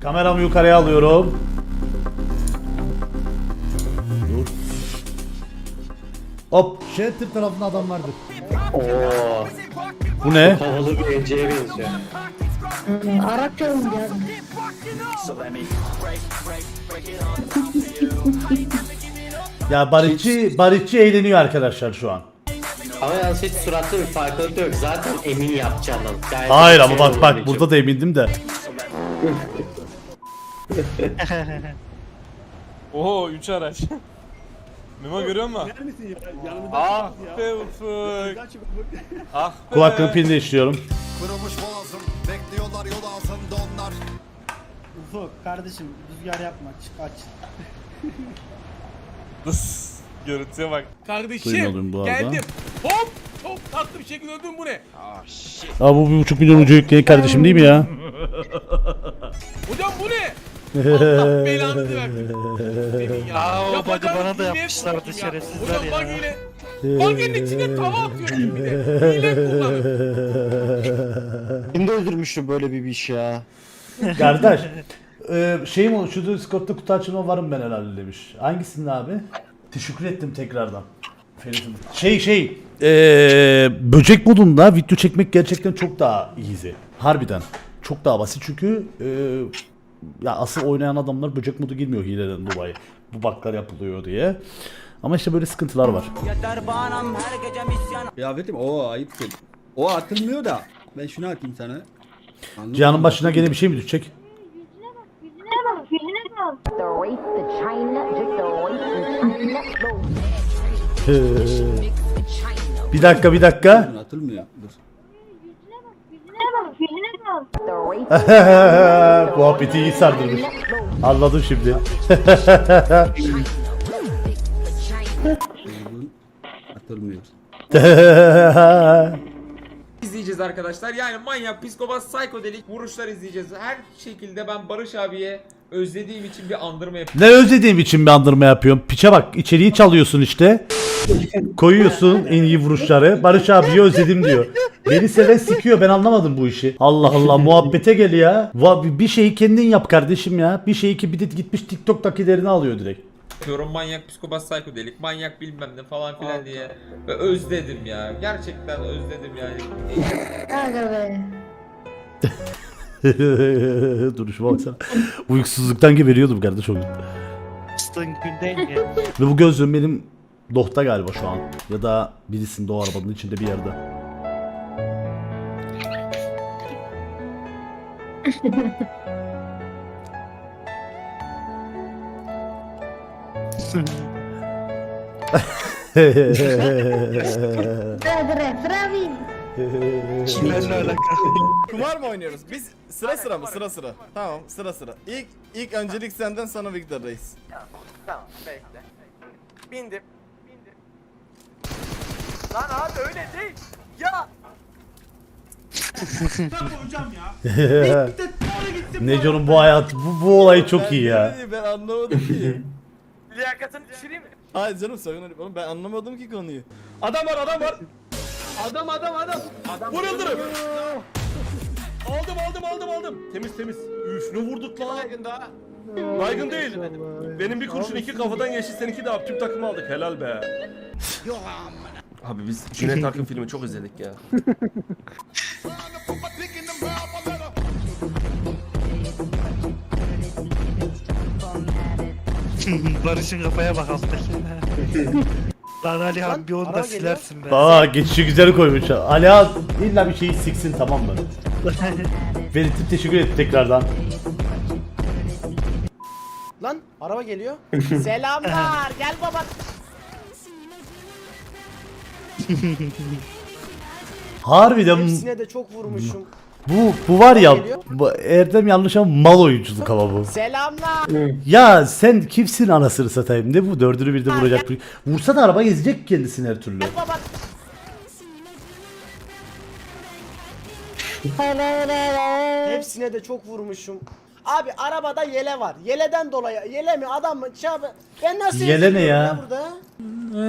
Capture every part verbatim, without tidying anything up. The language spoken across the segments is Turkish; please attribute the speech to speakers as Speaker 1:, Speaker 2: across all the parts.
Speaker 1: Kameramı yukarıya alıyorum. Dur. Hop. Shelter tarafında adam vardı.
Speaker 2: Oo.
Speaker 1: Bu ne?
Speaker 2: Havalı bir enceye benziyor.
Speaker 3: Arapça oynuyor.
Speaker 1: Ya barışçı, barışçı eğleniyor arkadaşlar şu an.
Speaker 2: Ama yalnız hiç suratlı bir farklılık yok. Zaten emin yapacağından. Gayet
Speaker 1: Hayır
Speaker 2: bir
Speaker 1: ama
Speaker 2: şey
Speaker 1: bak bak
Speaker 2: olduğu
Speaker 1: burada da emindim de.
Speaker 4: Oho üç araç. Memo görüyor musun? Ah be Ufuk. Ah be.
Speaker 1: Kulaklığın pilini değiştiriyorum.
Speaker 5: Kırılmış boğazım, bekliyorlar yol ağzında onlar.
Speaker 6: Ufuk kardeşim rüzgar yapma çık aç.
Speaker 4: Dıs. Görüntüye bak.
Speaker 1: Duymadım
Speaker 7: Kardeşim
Speaker 1: bu arada.
Speaker 7: geldim. Hop çok tatlı bir şekilde öldüm bu ne?
Speaker 1: Aa bu bir buçuk milyon ucu yükleyen kardeşim değil mi ya?
Speaker 7: Hocam bu ne? Allah belanı versin. Senin ya.
Speaker 8: Aa, o bug'ı
Speaker 7: Yapacağınız
Speaker 8: bana da
Speaker 7: hile
Speaker 8: yapmışlardı
Speaker 7: korktum ya.
Speaker 8: şerefsizler
Speaker 7: Hocam
Speaker 8: ya.
Speaker 7: bug ile. Bug'ın içine tava atıyorsun bir de. Hile kullanın.
Speaker 8: Kim de öldürmüştü böyle bir iş ya.
Speaker 1: Kardeş. Ee, şey mi oldu? Şu Discord'da kutu açılma varım ben herhalde demiş. Hangisinde abi? Teşekkür ettim tekrardan. Ferit'im. Şey şey. Ee, böcek modunda video çekmek gerçekten çok daha easy. Harbiden. Çok daha basit çünkü ee, ya asıl oynayan adamlar böcek modu girmiyor hileden dolayı. Bu bug'lar yapılıyor diye. Ama işte böyle sıkıntılar var.
Speaker 9: Kıyafetim o ayıptır. O atılmıyor da ben şunu atayım sana. Anladın
Speaker 1: Cihan'ın
Speaker 9: mı?
Speaker 1: başına gene bir şey mi düşecek?
Speaker 3: Yüzüne bak yüzüne bak. The race to China, just the race to China.
Speaker 1: Bir dakika bir dakika.
Speaker 9: Dur, atılmıyor. Dur.
Speaker 3: Yüzüne bak yüzüne bak. The race to
Speaker 1: Muhabbeti iyi sardırmış. Anladım şimdi.
Speaker 9: Dur. Atılmıyor.
Speaker 10: izleyeceğiz arkadaşlar. Yani manyak, psikopat, psikodelik vuruşlar izleyeceğiz. Her şekilde ben Barış abiye özlediğim için bir andırma yapıyorum.
Speaker 1: Ne özlediğim için bir andırma yapıyorum. Piçe bak içeriği çalıyorsun işte. Koyuyorsun en iyi vuruşları. Barış abiyi özledim diyor. Beni seven sikiyor, ben anlamadım bu işi. Allah Allah muhabbete gel ya. Va- Bir şeyi kendin yap kardeşim ya. Bir şeyi ki bir de gitmiş TikTok'takilerini alıyor direkt.
Speaker 10: Yapıyorum manyak, psikopat, psikodelik, manyak bilmem ne falan filan diye. Ve özledim ya. Gerçekten özledim yani.
Speaker 3: Aga be.
Speaker 1: Duruşuma baksana. Uykusuzluktan geberiyordum kardeş o gün.
Speaker 8: Bastığın günden ya.
Speaker 1: Ve bu gözlüğüm benim dohta galiba şu an. Ya da birisinde o arabanın içinde bir yerde.
Speaker 3: Bre bravi.
Speaker 8: Benimle alakalı.
Speaker 4: Kumar mı oynuyoruz? Biz sıra sıra mı? Sıra sıra. Tamam sıra sıra. İlk ilk öncelik senden sonra Victor Reis.
Speaker 7: Tamam bekle. Bindim. Bindim. Lan abi öyle değil. Ya.
Speaker 1: Neco'nun bu hayat, bu, bu olayı çok iyi ya.
Speaker 4: Ben anlamadım ki.
Speaker 7: Liyakatını düşüreyim mi?
Speaker 4: Hayır canım sakın öyle oğlum ben anlamadım ki konuyu. Adam var adam var. Adam adam adam. Vur Yıldırım. Aldım aldım aldım aldım. Temiz temiz. Üf ne vurduk lan. Baygın daha. Baygın değil. Benim bir kurşun iki kafadan geçti, seninki de tüm takımı aldık, helal be. Abi biz Cüneyt Arkın filmi çok izledik ya.
Speaker 8: Barış'ın kafaya bak alttaki. Lan Ali abi bir onu da silersin be.
Speaker 1: Aa geçişi güzel koymuş. Ali abi illa bir şeyi siksin tamam mı? Ferit'im teşekkür ederim tekrardan.
Speaker 6: Lan araba geliyor. Selamlar gel baba.
Speaker 1: Harbiden
Speaker 6: Hepsine de çok vurmuşum.
Speaker 1: bu bu var ya bu, Erdem yanlış ama mal oyunculuk ama bu.
Speaker 6: Selamlar.
Speaker 1: Ya sen kimsin anasını satayım, ne bu dördünü birde vuracak bir. Vursa da araba ezecek kendisini her türlü.
Speaker 6: Baba. Hepsine de çok vurmuşum. Abi arabada yele var. Yeleden dolayı yele mi adam mı? Çabı. Ben nasıl
Speaker 1: Yele ne
Speaker 6: eziliyorum
Speaker 1: ya?
Speaker 6: burada?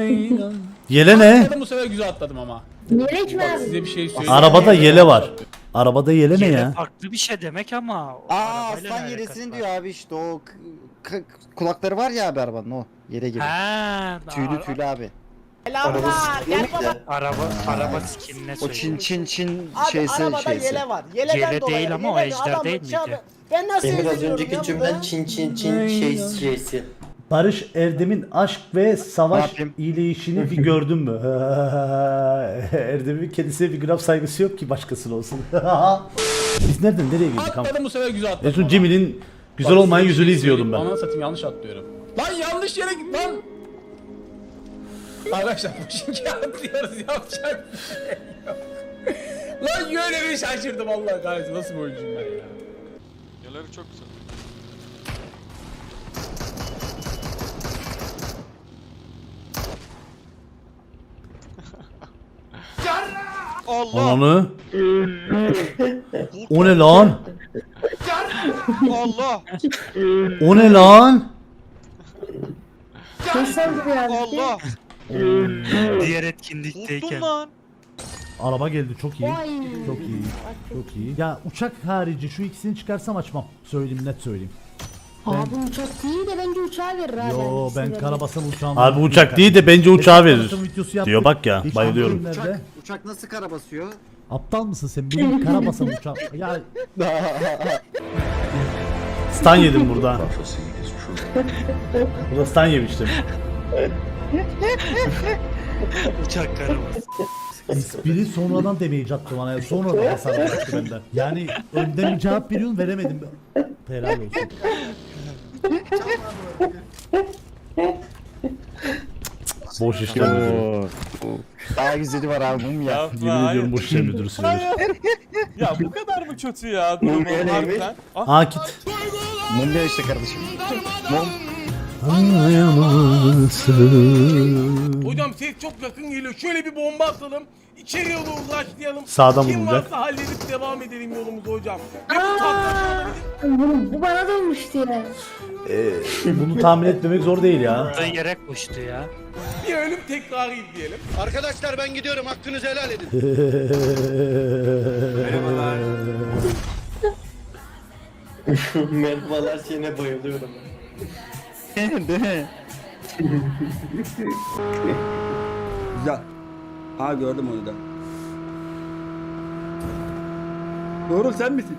Speaker 1: Yele ne?
Speaker 7: Bu sefer güzel atladım ama.
Speaker 3: Yelek mi abi?
Speaker 7: Size bir şey söyleyeyim.
Speaker 1: Arabada yele var. Arabada yeleme
Speaker 8: Yele
Speaker 1: ya.
Speaker 8: farklı bir şey demek ama. o
Speaker 11: Aa
Speaker 8: arabayla
Speaker 11: aslan
Speaker 8: ne
Speaker 11: yelesini
Speaker 8: alakası
Speaker 11: diyor
Speaker 8: var?
Speaker 11: abi işte o k- k- kulakları var ya abi arabanın o yere gibi.
Speaker 8: Ha,
Speaker 11: Tüylü
Speaker 8: ara-
Speaker 11: tüylü abi.
Speaker 6: Selamlar. Gel baba.
Speaker 8: Araba araba skinine
Speaker 11: O
Speaker 8: söylüyor.
Speaker 11: çin çin çin
Speaker 6: Abi
Speaker 11: şeysi
Speaker 6: arabada
Speaker 11: şeysi.
Speaker 6: yele var. Yeleden
Speaker 8: Yele
Speaker 6: dolayı.
Speaker 8: değil ama o
Speaker 6: yele
Speaker 8: ejder
Speaker 6: adamın
Speaker 8: değil miydi?
Speaker 6: çabı- Ben nasıl
Speaker 2: Emir az
Speaker 6: eziliyorum
Speaker 2: önceki
Speaker 6: ya
Speaker 2: cümlen
Speaker 6: burada?
Speaker 2: çin çin çin şey şeysi.
Speaker 1: Barış Erdem'in aşk ve
Speaker 11: Ne
Speaker 1: savaş
Speaker 11: yapayım?
Speaker 1: iyileşini bir gördün mü? Erdem'in kendisine bir gram saygısı yok ki başkasına olsun. Biz nereden nereye girdik?
Speaker 4: Atladım bu sefer güzel
Speaker 1: En
Speaker 4: atladım.
Speaker 1: son Cemil'in güzel olmayan yüzünü izliyordum ben.
Speaker 4: Ananı satayım yanlış atlıyorum. Lan yanlış yere git lan. Arkadaşlar bu şimdi atlıyoruz yapacak bir şey yok. Lan yöne bir şaşırdım Allah kahretsin nasıl bir oyuncuyum ben ya.
Speaker 7: Yerleri çok güzel. Allah!
Speaker 1: Ananı. O ne lan?
Speaker 7: Allah!
Speaker 1: O ne lan?
Speaker 7: Allah!
Speaker 8: Diğer etkinlikteyken.
Speaker 7: Korktum lan.
Speaker 1: Araba geldi çok iyi.
Speaker 3: Vay.
Speaker 1: Çok iyi. Çok iyi. Ya uçak harici şu ikisini çıkarsam açmam. Söyleyeyim net söyleyeyim.
Speaker 3: Abi uçak değil de bence uçağı verir abi.
Speaker 1: Yo
Speaker 3: hangisi
Speaker 1: ben
Speaker 3: verir?
Speaker 1: karabasan uçağım.
Speaker 11: Abi uçak değil de bence uçağı verir.
Speaker 1: Diyor bak ya bayılıyorum.
Speaker 11: Uçak, uçak nasıl kara basıyor?
Speaker 1: Aptal mısın sen? Benim karabasan uçağım. Ya stan yedim burada. Burada stan yemiştim.
Speaker 8: Uçak karabası.
Speaker 1: Espri sonradan demeye attı bana. Sonradan hasar bıraktı benden. Yani önden bir cevap veriyorsun veremedim. Helal olsun. Boş işler müdürü.
Speaker 11: Daha güzeli var abi mum ya.
Speaker 1: Yemin ediyorum boş işler müdürü söylüyor.
Speaker 7: Ya bu kadar mı kötü ya durumu harbiden? Ah,
Speaker 1: Akit.
Speaker 11: Mum ya işte kardeşim. Mum.
Speaker 4: Hocam ses çok yakın geliyor. Şöyle bir bomba atalım. İçeriye doğru başlayalım.
Speaker 1: Sağdan
Speaker 4: Kim
Speaker 1: vuracak.
Speaker 4: varsa halledip devam edelim yolumuza hocam. Ve bu tatlı
Speaker 3: Bu, bu bana da olmuştu ya.
Speaker 1: Bunu tahmin etmemek zor değil ya.
Speaker 8: Da yere koştu ya.
Speaker 4: bir ölüm tekrarı izleyelim.
Speaker 5: Arkadaşlar ben gidiyorum hakkınızı helal edin.
Speaker 2: Merhabalar şeyine bayılıyorum.
Speaker 11: Değil mi?
Speaker 9: Güzel. Aa gördüm onu da. Doğru sen misin?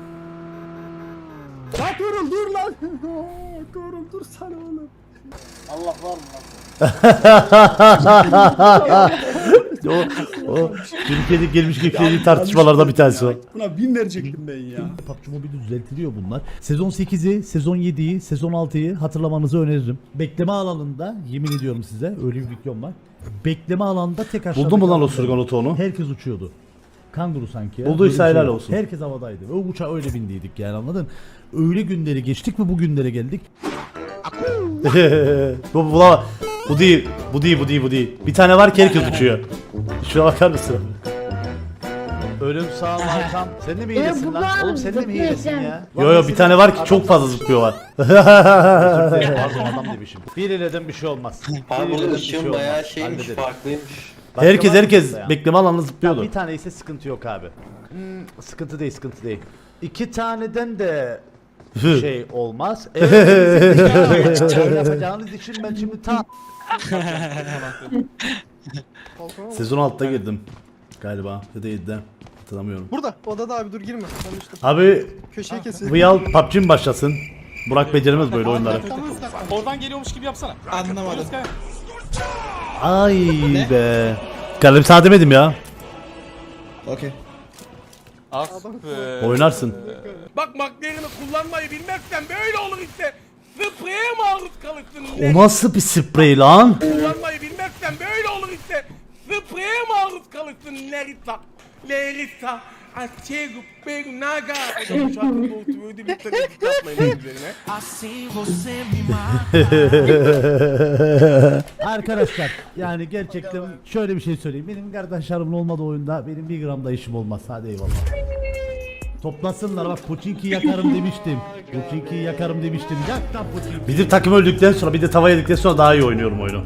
Speaker 9: Lan Tuğrul dur lan. Tuğrul dur sana oğlum.
Speaker 6: Allah var mı lan?
Speaker 1: o, o Türkiye'de gelmiş geçtiği tartışmalardan bir tanesi var.
Speaker 9: Buna bin verecektim ben ya.
Speaker 1: P U B G Mobile düzeltiliyor bunlar. Sezon sekizi, sezon yediyi, sezon altıyı hatırlamanızı öneririm. Bekleme alanında yemin ediyorum size öyle bir videom var. Bekleme alanında tek aşağıda. Buldun mu lan o kaldım. sürgan otonu? Herkes uçuyordu. Kanguru sanki ya. Bulduysa Böyle bir helal şey. olsun. Herkes havadaydı. O uçağa öyle bindiydik yani anladın? Öyle günleri geçtik ve bu günlere geldik. bu, bu, bu, bu değil, bu değil, bu değil, bu değil. Bir tane var ki herkes uçuyor. Şuna bakar mısın? Ölüm sağ arkam. Sen de mi hilesin
Speaker 3: bu
Speaker 1: lan?
Speaker 3: var,
Speaker 1: Oğlum sen de mi
Speaker 3: zıplıyor
Speaker 1: hilesin
Speaker 3: sen.
Speaker 1: ya? Yo yo bir tane var ki çok fazla zıplıyorlar. Pardon adam demişim. Bir hileden bir şey olmaz. Bir
Speaker 2: Abi
Speaker 1: hileden
Speaker 2: bu
Speaker 1: bir şey
Speaker 2: ışığın
Speaker 1: olmaz.
Speaker 2: bayağı şeymiş
Speaker 1: Hallederiz.
Speaker 2: farklıymış.
Speaker 1: Başka
Speaker 11: Herkes
Speaker 1: var mı
Speaker 11: herkes
Speaker 1: burada ya?
Speaker 11: bekleme alanına zıplıyordu.
Speaker 1: Ya bir tane ise sıkıntı yok abi. Hmm, sıkıntı değil, sıkıntı değil. İki taneden de şey olmaz. Eğer öyle yapacağınız için ben şimdi ta Sezon altıda girdim galiba ya da yedide hatırlamıyorum.
Speaker 6: Burada odada abi dur girme. Konuştum.
Speaker 1: Abi
Speaker 6: Köşeye kesin.
Speaker 1: Vıyal P U B G mi başlasın? Burak beceremez böyle oyunları.
Speaker 7: Oradan geliyormuş gibi yapsana.
Speaker 6: Anlamadım.
Speaker 1: Ay be. Kardeşim sana demedim ya.
Speaker 5: Okey.
Speaker 7: Ah be.
Speaker 1: Oynarsın.
Speaker 4: Bak McLaren'ı kullanmayı bilmezsen böyle olur işte. Spreye maruz kalırsın.
Speaker 1: O nasıl bir sprey lan?
Speaker 4: Kullanmayı bilmezsen böyle olur işte. Spreye maruz kalırsın Nerita. Lerita. Açego, pego, naga. Hocam bu şarkının doğru öyle bir tane yapmayın üzerine.
Speaker 1: Arkadaşlar yani gerçekten şöyle bir şey söyleyeyim. Benim kardeşlerimin olmadığı oyunda benim bir gram da işim olmaz. Hadi eyvallah. Toplasınlar bak Pochinki yakarım demiştim. Pochinki yakarım demiştim. Yak lan Pochinki. Bizim takım öldükten sonra bir de tava yedikten sonra daha iyi oynuyorum oyunu.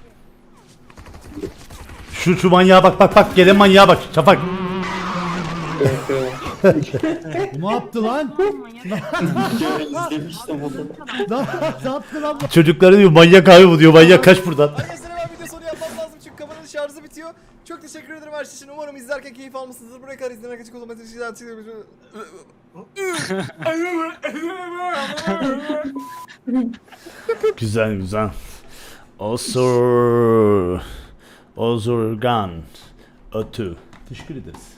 Speaker 1: Şu şu manyağa bak bak bak gelen manyağa bak Şafak. Ne yaptı lan?
Speaker 2: İzlemiştim onu.
Speaker 1: Ne yaptı lan? Çocukları diyor manyak abi bu diyor. Manyak kaç buradan.
Speaker 4: Arkadaşlar hemen video sonu yapmam lazım çünkü kameranın şarjı bitiyor. Çok teşekkür ederim her şey için. Umarım izlerken keyif almışsınızdır. Buraya kadar izlemek için kullanmak için
Speaker 1: Güzel güzel. Osur. Osurgan. Ötü. Teşekkür ederiz.